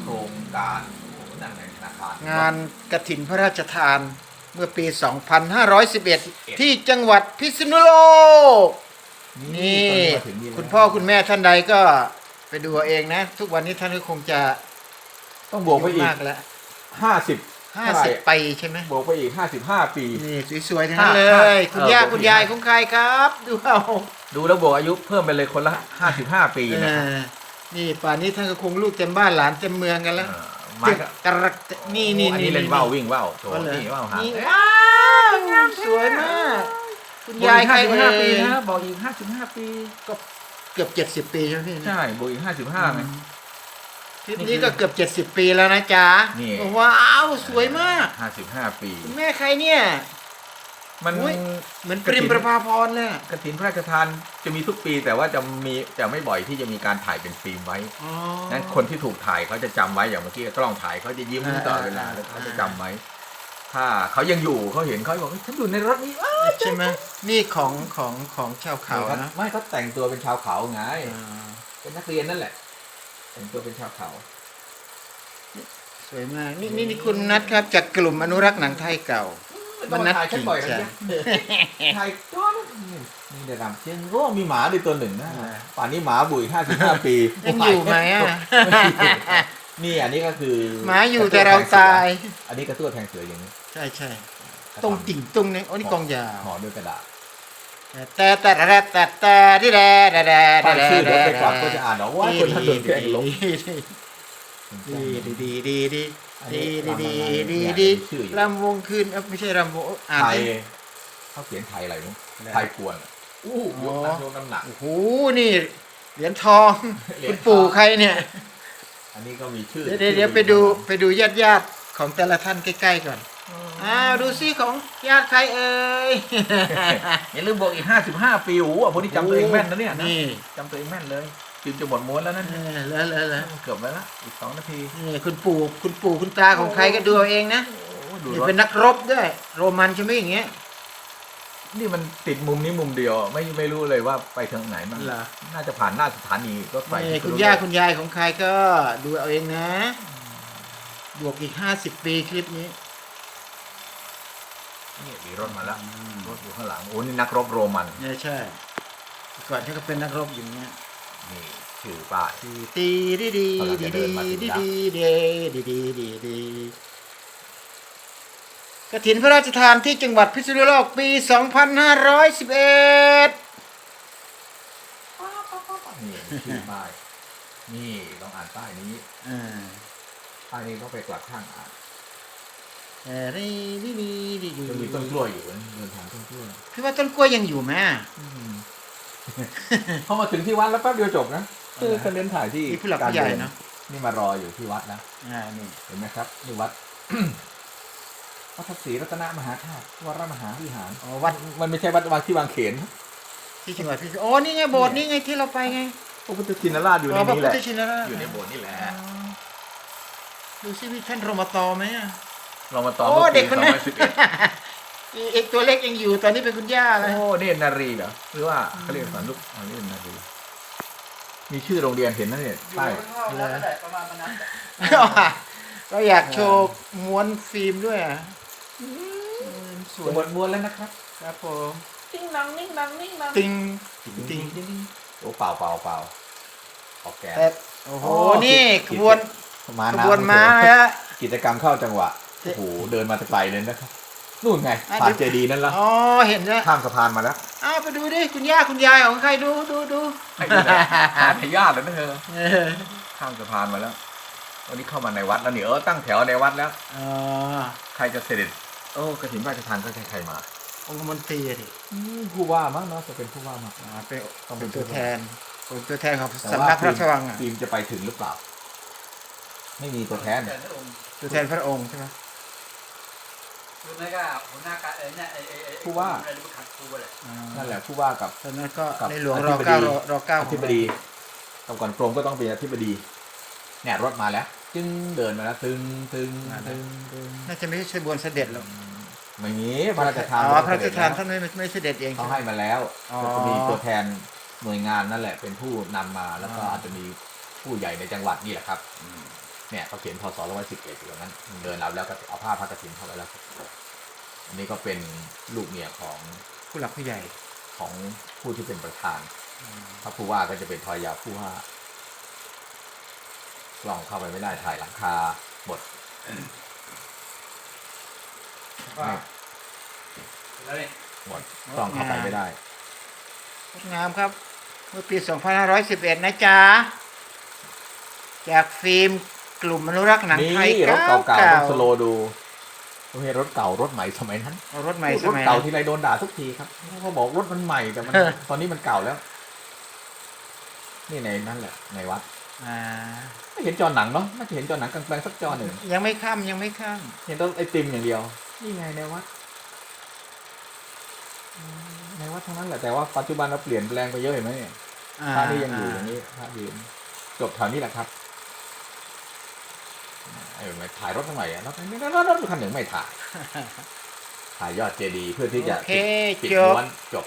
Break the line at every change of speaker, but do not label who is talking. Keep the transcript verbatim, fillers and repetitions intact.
โครงการโอ้โหนั่นไงธนาคารง
านกฐินพระราชทานเมื่อปี สองพันห้าร้อยสิบเอ็ด ที่จังหวัดพิษณุโลก นี่
ตอมาถึงนี่แล้ว
คุณพ่อคุณแม่ท่านใดก็ไปดูเอาเองนะ ทุกวันนี้ท่านก็คงจะ
ต้องบวกไปอีก
มากแล้ว
ห้าสิบ
ห้าสิบปีใช่ไหม
บวกไปอีกห้าสิบห้าปี
นี่สวยๆทั้งนั้นเล
ห้าย ห้า
คุณย่า
เออ
คุณยายของใครครับ ดูเอา
ดูแล้วบวกอายุเพิ่มไปเลยคนละห้าสิบห้าปี
เอ
นะครับ
อนี่ป่านนี้ท่านก็คงลูกเต็มบ้านหลานเต็มเมืองกันแล้ว
เออไม้ก็
กระกนี่นี่
อันนี้เล่นว่าววิ่งว่าวโถ
ก็เลย
นี่ว่าวหาง
นี่ว้าวสวยมาก คุณยายใคร
บวกอีก
เอ่
ห้าสิบห้าปี
ย
นะบอกอีกห้าสิบห้าปี
ก็เกือบเจ็ดสิบปีใช่ไหมพี่
ใช่บวกอีกห้าสิบห้าไง
คลิปนี้ก็เกือบเจ็ดสิบปีแล้วนะจ๊ะ
นี่
ว้าวสวยมาก
ห้าสิบห้าปี
คุณแม่ใครเนี่ย
มัน
อุ๊ย เหมือนปริมประภาพรเลยอะ
กฐินพระราชทานจะมีทุกปีแต่ว่าจะมีจะไม่บ่อยที่จะมีการถ่ายเป็นฟิล์มไว้
อ๋อ
นั้นคนที่ถูกถ่ายเขาจะจำไว้อย่างเมื่อกี้กล้องถ่ายเขาจะยิ้ม
อ่า
ตลอดเวลา
อ่า
แล้วเขาจะจำไว้ ถ้าเขายังอยู่เขาเห็นเขาบอกเฮ้ยฉันอยู่ในรถนี้อ้าว
ใช่ไหมนี่ของของของชาวเขานะ
ไม่เขาแต่งตัวเป็นชาวเขาไง
อ่า
เป็นนักเรียนนั่นแหละ แต่งตัวเป็นชาวเขา
สวยมากนี่นี่นี่คุณนัทครับจากกลุ่มอนุรักษ์หนังไทยเก่า มันนัด
ถ่ายฉันบ่อย
จริง
นะถ่ายจ้อนนี่เดี๋ยวดำเชียงโอ้มีหมาด้วยตัวหนึ่งนะ
อ่า
ป่านนี้หมาบุ๋ยห้าสิบห้าปี
ยังอยู่ไหมอ่ะ
นี่อันนี้ก็คือ
หมาอยู่แต่เราตาย
อันนี้กระตั้วแทงเสืออย่างนี้
ใช่ใช่ตรงติ่งตรงนี้โอ้นี่กองยาว
ห่อด้วยกระดาษ
แต่แต่แต่แต่แต่ที่แร่แร่แร่
ป้าย
แร่
ชื่อเดี๋ยวไปกลับก็จะอ่านเอาว่าคนท่านโดนแกล้งลบ
ดีดีดีดีดี
อัน
ดี
นี้
ดีดี
รำอะไร
ดี
เนี่ยมีชื่ออยู่
รำวงคืนเอ้าไม่ใช่รำวงอ่าน
ไทย
ดิ
เขาเขียนไทยอะไรนู้น
อะไร
ไทยกวนอู้ยกน้ำยกน้ำหนัก
โอ้โหนี่เหรียญทองคุณปู่ใครเนี่ย
อันนี้ก็มีชื่อ
เดี๋ยวเดี๋ยวไปดูไปดูญาติญาติๆของแต่ละท่านใกล้ๆก่อนอ้าวดูซิของญาติใครเอ่ย
อย่าลืมบอกอีกห้าสิบห้าปีโอ้โหพวกนี้จำตัวเองแม่นนะเนี่ยนะ
นี่
จำตัวเองแม่นเลยจิมจะหมดม้วนแล้วนั่น
เออแล้วแล้วแล้ว
เกือบแล้วละอีกสองนาที
นี่คุณปู่คุณปู่คุณตาของใครก็ดูเอาเองนะ
โอ้ดู
นี่
รถ
เป็นนักรบด้วย โรมันใช่ไหมอย่างเงี้ย
นี่มันติดมุมนี้มุมเดียว ไม่ไม่รู้เลยว่าไปทางไหนมัน
เหรอ
น่าจะผ่านหน้าสถานีรถไฟ
นี่
ที่
คุณ
รู้
ย่า
เลย
คุณยายของใครก็ดูเอาเองนะ บวกอีกห้าสิบปีคลิปนี้
นี่มีรถมาแล้วรถอยู่ข้างหลังโอ้นี่นักรบโรมัน
เนี่ยใช่ก่อนที่เขาเป็นนักรบอย่างเงี้ย
นี่ชื่อป้าย
ตีตีดีดีดีดีดีดีดีดีดีดีดีกฐินพระราชทานที่จังหวัดพิษณุโลกปี สองพันห้าร้อยสิบเอ็ด
นี่ชื่อป้ายนี่ลองอ่านป้ายนี้
อ่า
ป้ายนี้ต้องไปกลับข้างอ่าน
เออดีดีดีดีดี
จะมีต้นกล้วยอยู่นะเดินทางต้นกล้วย
พี่ว่าต้นกล้วยยังอยู่ไหม
พอมาถึงที่วัดแล้วแป๊บเดียวจบนะคือการเดินถ่ายที่
มีผู้หลักผู้ใหญ่เนาะ
นี่มารออยู่ที่วัดนะ
อ่านี่
เห็นไหมครับนี่วัด วัดทัศรีรัตนมหาธาตุวัดมหาวิหาร
อ๋อวัด
มันไม่ใช่วัดวางที่วางเขน
ที่จังหวัดพิษณุโอ้นี่ไงโบสถ์นี่ไงที่เราไปไง
พระพุทธชินราชอยู่ใน
อ๋อพระ
นี้
พุ
แห
ท
ละ
ธชินราช
อยู่ในโบสถ์นี่แหละ
อ๋อดูซิมีท่านรมตไหมอ่ะ
เรามาต่อ
โอ้
เมื่อ
เด็
ปี
กค
สอน ง
นั้น
พันสิบเอ็ด
อีเอกตัวเล็กยังอยู่ตอนนี้เป็นคุณย่าแล้ว
โอ้นี่นารีเหรอหรือว่าเขาเรียกสอนลูกอันนี้นารีมีชื่อโรงเรียนเห็นนะเนี่ยป้าย
เราอยากโชว์ม้วนฟิล์มด้วยอ่ะอืมสวย
จะหมดม้วนแล้วนะครับ
ครับผม
ติ้งนังนิ่งนังนิ่งนัง
ติง
ติ้งติ้งโอ้เปล่าเปล่าเปล่าออกแกน
แต่โอ้โห
โอ้
นี่
กิ
ข
จ
บวน
มา
ข
น้ำ
บวนม้าฮะ
กิจกรรมเข้าจังหวะโอ้โหเดินมาตะไกลเลยนะครับนู่นไงผ่านเจดีย์นั่นแล้ว
อ๋อเห็นแล้ว
ข้ามสะพานมาแล้ว
อ้าวไปดูดิคุณย่าคุณยายของใครดูดูดู
ให้ดูนะหาทายาทแล้วนะเธอ
เออ
ข้ามสะพานมาแล้ววันนี้เข้ามาในวัดแล้วนี่เออตั้งแถวในวัดแล้ว
อ๋อ
ใครจะเสด็จโอ้กระถิ่นราชทานก็ใครๆมา
องค์มนตรีอะดิ
ผู้ว่ามั้งเนาะจะเป็นผู้ว่ามา
อ่าเป็น
ต้องเป็
เป็น
น
ตัวแทนเป็นตัวแทนของ
แต่
สำ
ว่า
นักพระราชวังอ่ะ
ทีมจะไปถึงหรือเปล่า ไม่มีตัวแทน
ตัวแทนพระองค์ใช่ไหม
คือไม่ก็หัวหน้าการเออเนี่ยไอ้ไอ้ไอ้
ผู้ว่า
อะไรรู้ขัดผู้อะไร
อ่า
นั่นแหละผู้ว่ากับ
ตอนนั้นก็
กับ
ในหลวง
อ
ร
ธิ
อบ
ดี
เก้ารอรอเก้า
อ
ของ
ธิบดีกับก่อนกรมก็ต้องเป็นอธิบดีเนี่ยรถมาแล้ว จึงเดินมาแล้วตึงตึงตึงตึง
น่าจะไม่ใช่บวนเสด็จหรอก
ไม่มีพระราชทาน
อ๋อพระราชทานท่านไม่ไม่เสด็จเอง
เขาให้มาแล้ว
อ๋อ
ก็จะมีตัวแทนหน่วยงานนั่นแหละ เป็นผู้นำมาแล้วก็อาจจะมีผู้ใหญ่ในจังหวัดนี่แหละครับเนี่ยเขาเขียนพศร้อยสิบเอ็ดอยู่ตรงนั้นเดินรับแล้วก็เอาผ้าพระกฐินเข้าไปแล้วอันนี้ก็เป็นลูกเมียของ
ผู้หลักผู้ใหญ่
ของผู้ที่เป็นประธานถ้าผู้ว่าก็จะเป็นภรรยาผู้ว่าลองเข้าไปไม่ได้ถ่ายหลังคาหมด
ก็แล้วนี่
หมดต้องเข้าไปไม่ได้
งดงามครับ เมื่อปี สองพันห้าร้อยสิบเอ็ด นะจ๊ะ จากฟิล์มกลุ่มอนุรักษ์หนัง
นี่
ไทย
รถเก่าๆ
เก่า
ต้องสโลว์ดูไม่ใช่รถเก่ารถใหม่สมัยนั้น
ๆเอารถใหม่ส
รถ
มัย
เก่า
นั้น
ที่ไรโดนด่าทุกทีครับเขาบอกรถมันใหม่แต่มัน
เออ
ตอนนี้มันเก่าแล้ว นี่ในนั่นแหละในวัด
อ่า
ไม่เห็นจอหนังเนาะน่าจะเห็นจอหนังกลางแปลงสักจอหนึ่ง
ยังไม่ข้ามยังไม่ข้าม
เห็นต้นไอติมอย่างเดียว นี่ไงในวัดอืมในวัดทั้งนั้นแหละแต่ว่าปัจจุบันเราเปลี่ยนแปลงไปเยอะเห็นไหมเนี่ย
อ่า
พระนี่ยังอยู่อย่างนี้พระยืนจบแถวนี้แหละครับไอ้ไม่ถ่ายรถทำไมอะรถไม่รถรถคันหนึ่งไม่ถ่าย ถ่ายยอดเจดีย์เพื่อที่จะ
โอเค
ปิด
จบ
ม้วนจบ